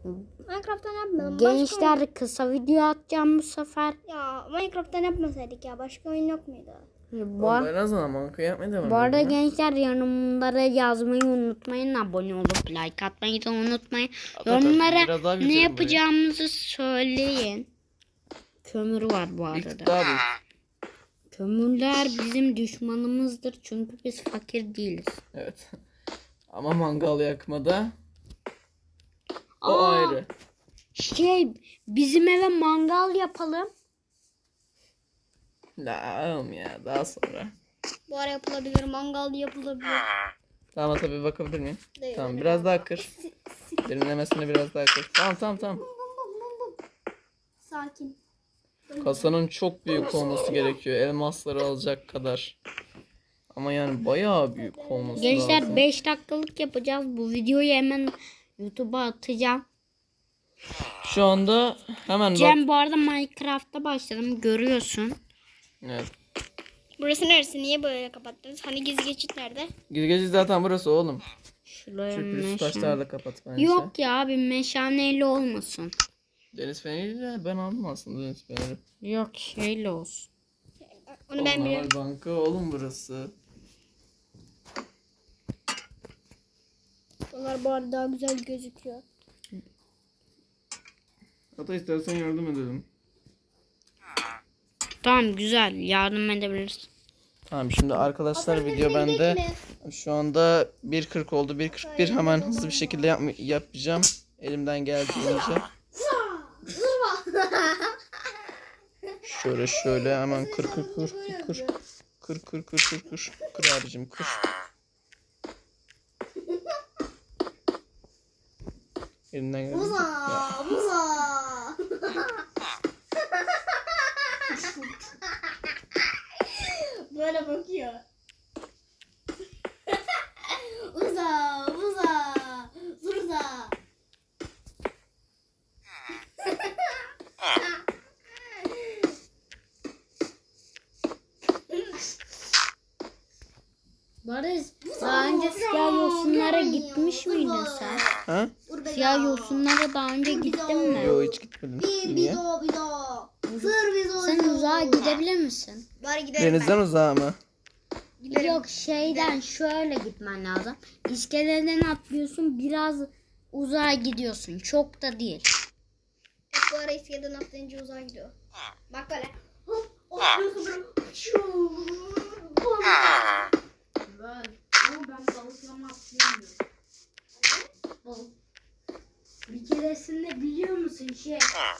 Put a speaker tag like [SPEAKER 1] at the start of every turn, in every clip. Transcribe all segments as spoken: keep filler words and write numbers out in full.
[SPEAKER 1] Minecraft'tan yapmayalım.
[SPEAKER 2] Gençler
[SPEAKER 1] Başka...
[SPEAKER 2] kısa video atacağım bu sefer.
[SPEAKER 1] Ya Minecraft'tan yapmasaydık ya. Başka oyun yok muydu?
[SPEAKER 2] Bu, ar-
[SPEAKER 3] Ben o zaman Minecraft yapmaya devam
[SPEAKER 2] bu arada
[SPEAKER 3] ediyorum ya.
[SPEAKER 2] gençler yorumlara yazmayı unutmayın. Abone olup like atmayı da unutmayın.
[SPEAKER 3] Hatta
[SPEAKER 2] Yorumlara
[SPEAKER 3] biraz daha
[SPEAKER 2] ne
[SPEAKER 3] büyütelim
[SPEAKER 2] yapacağımızı söyleyin. Kömür var bu
[SPEAKER 3] Bir tık
[SPEAKER 2] arada.
[SPEAKER 3] daha büyük.
[SPEAKER 2] Kömürler bizim düşmanımızdır çünkü biz fakir değiliz.
[SPEAKER 3] Evet. Ama mangal yakmada o
[SPEAKER 2] Aa,
[SPEAKER 3] ayrı.
[SPEAKER 2] Şey bizim eve mangal yapalım.
[SPEAKER 3] La oğlum ya daha sonra.
[SPEAKER 1] Bu ara yapılabilir. Mangal yapılabilir.
[SPEAKER 3] Tamam tabii bakabilir miyim?
[SPEAKER 1] Değil,
[SPEAKER 3] Tamam
[SPEAKER 1] öyle
[SPEAKER 3] biraz daha
[SPEAKER 1] kalma.
[SPEAKER 3] kır.
[SPEAKER 1] Si- si-
[SPEAKER 3] Derinlemesine biraz daha kır. Tamam tamam tamam.
[SPEAKER 1] Bum, bum, bum, bum. Sakin.
[SPEAKER 3] Kasanın çok büyük olması gerekiyor. Elmasları alacak kadar. Ama yani bayağı büyük olması
[SPEAKER 2] Gençler
[SPEAKER 3] lazım.
[SPEAKER 2] beş dakikalık yapacağız. Bu videoyu hemen YouTube'a atacağım.
[SPEAKER 3] Şu anda hemen bak.
[SPEAKER 2] Cem bu arada Minecraft'ta başladım görüyorsun.
[SPEAKER 3] Evet.
[SPEAKER 1] Burası neresi? Niye böyle kapattınız? Hani gizli geçit nerede?
[SPEAKER 3] Gizgeci zaten burası oğlum.
[SPEAKER 2] Şuraya
[SPEAKER 3] Sürpriz
[SPEAKER 2] meşale.
[SPEAKER 3] taşlarla kapat bence.
[SPEAKER 2] Yok ya abi meşaneyle olmasın.
[SPEAKER 3] Deniz feneri de ben aldım aslında deniz feneri.
[SPEAKER 2] Yok şeyle olsun.
[SPEAKER 1] Onu ben biliyorum.
[SPEAKER 3] Normal banka oğlum burası.
[SPEAKER 1] Onlar bu arada daha güzel gözüküyor.
[SPEAKER 3] Hatta istersen yardım edelim.
[SPEAKER 2] Tamam güzel yardım edebilirsin.
[SPEAKER 3] Tamam şimdi arkadaşlar video bende. Şu anda bir kırk oldu. bir kırk bir hemen hızlı bir şekilde yapma- yapacağım. Elimden geldiğince. Şöyle şöyle hemen kır kır kır kır kır. Kır kır kır kır kır. Kır abicim kır. Elimden geldiğince. Ya.
[SPEAKER 1] Böyle bakıyor. Uza, uza, zurza.
[SPEAKER 2] Barış daha önce siyah yosunlara gitmiş miydin sen?
[SPEAKER 3] Ha?
[SPEAKER 2] Siyah yosunlara daha önce gittin mi?
[SPEAKER 3] Yo hiç gitmedim. Niye?
[SPEAKER 1] Bizo, bizo. Sır bizo.
[SPEAKER 2] Sen uzağa gidebilir misin?
[SPEAKER 1] Bari gidelim
[SPEAKER 3] Denizden uzağa mı?
[SPEAKER 1] Giderim.
[SPEAKER 2] Yok şeyden şöyle gitmen lazım. İskeleden atlıyorsun biraz uzağa gidiyorsun. Çok da değil.
[SPEAKER 1] Hep bu ara iskeleden atlayınca uzağa gidiyor. Bak böyle. Hop, hop, hop, şuu.
[SPEAKER 2] Ben, ama ben balıklama atlayamıyorum. Balık. Bir keresinde biliyor musun şey?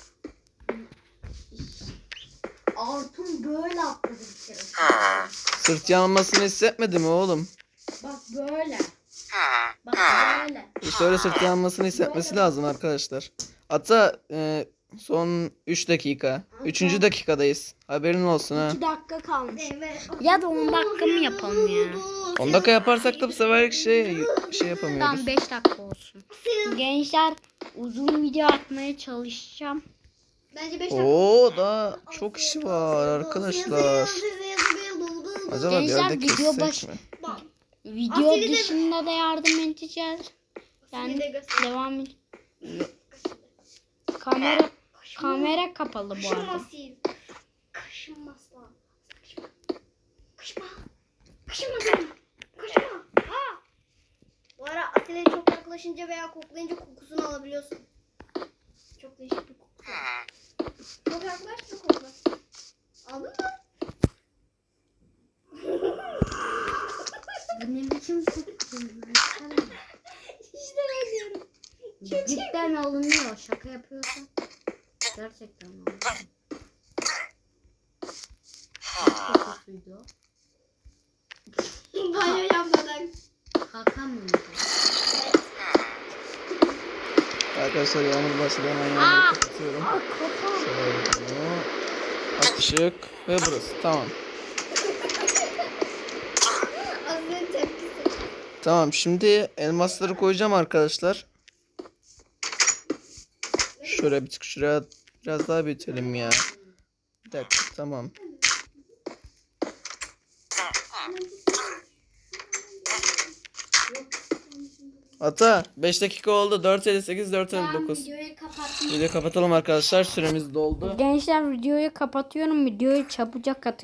[SPEAKER 2] Artun böyle atladı bir keresinde.
[SPEAKER 3] Sırt yanmasını hissetmedi mi oğlum?
[SPEAKER 2] Bak böyle. Bak böyle.
[SPEAKER 3] İşte öyle sırt yanmasını hissetmesi lazım arkadaşlar. Hatta e, son üç dakika. üçüncü dakikadayız. Haberin olsun ha.
[SPEAKER 2] iki dakika kalmış.
[SPEAKER 1] Evet.
[SPEAKER 2] Ya da on dakika mı yapalım ya?
[SPEAKER 3] on dakika yaparsak da bu sefer şey şey yapamıyoruz.
[SPEAKER 2] Tamam beş dakika olsun. Gençler uzun video atmaya çalışacağım.
[SPEAKER 1] Bence beş dakika.
[SPEAKER 3] Oo daha çok işi var arkadaşlar. Acaba bir
[SPEAKER 2] Gençler,
[SPEAKER 3] yerde
[SPEAKER 2] video
[SPEAKER 3] kessek
[SPEAKER 2] baş-
[SPEAKER 3] mi?
[SPEAKER 2] Video
[SPEAKER 1] Asil'i de-
[SPEAKER 2] dışında da yardım edeceğiz. Yani
[SPEAKER 1] de göster.
[SPEAKER 2] devam et. Kamera kamera kapalı bu arada.
[SPEAKER 1] Kaşınmasın. Kaşınmaz lan. Kaşınma. Kaşınma. Kaşınma canım. Kaşınma. Aa. Bu ara Atilla'ya çok yaklaşınca veya koklayınca kokusunu alabiliyorsun. Çok değişik bir kokusu. Çok yaklaş da kokla. Aldın mı?
[SPEAKER 2] Bu ne biçim kokuyor?
[SPEAKER 1] İşte ben diyorum.
[SPEAKER 2] Cidden alınıyor. Şaka yapıyorsan. Gerçekten alınıyor. Ne kokusuydu o?
[SPEAKER 1] Banyo yapmadan.
[SPEAKER 2] Kaka mıydı?
[SPEAKER 3] Arkadaşlar yağmur başladı hemen yağmuru kapatıyorum.
[SPEAKER 2] Aa kaka.
[SPEAKER 3] Şöyle bunu açık ve burası tamam.
[SPEAKER 1] Aziz'in tepkisi.
[SPEAKER 3] Tamam şimdi elmasları koyacağım arkadaşlar. Şöyle bir tık şuraya biraz daha büyütelim ya. Bir dakika tamam. Ata beş dakika oldu. dört elli sekiz dört elli
[SPEAKER 2] Tamam,
[SPEAKER 3] dokuz.
[SPEAKER 2] videoyu kapattım.
[SPEAKER 3] Video kapatalım arkadaşlar. Süremiz doldu.
[SPEAKER 2] Gençler videoyu kapatıyorum. Videoyu çabucak atın.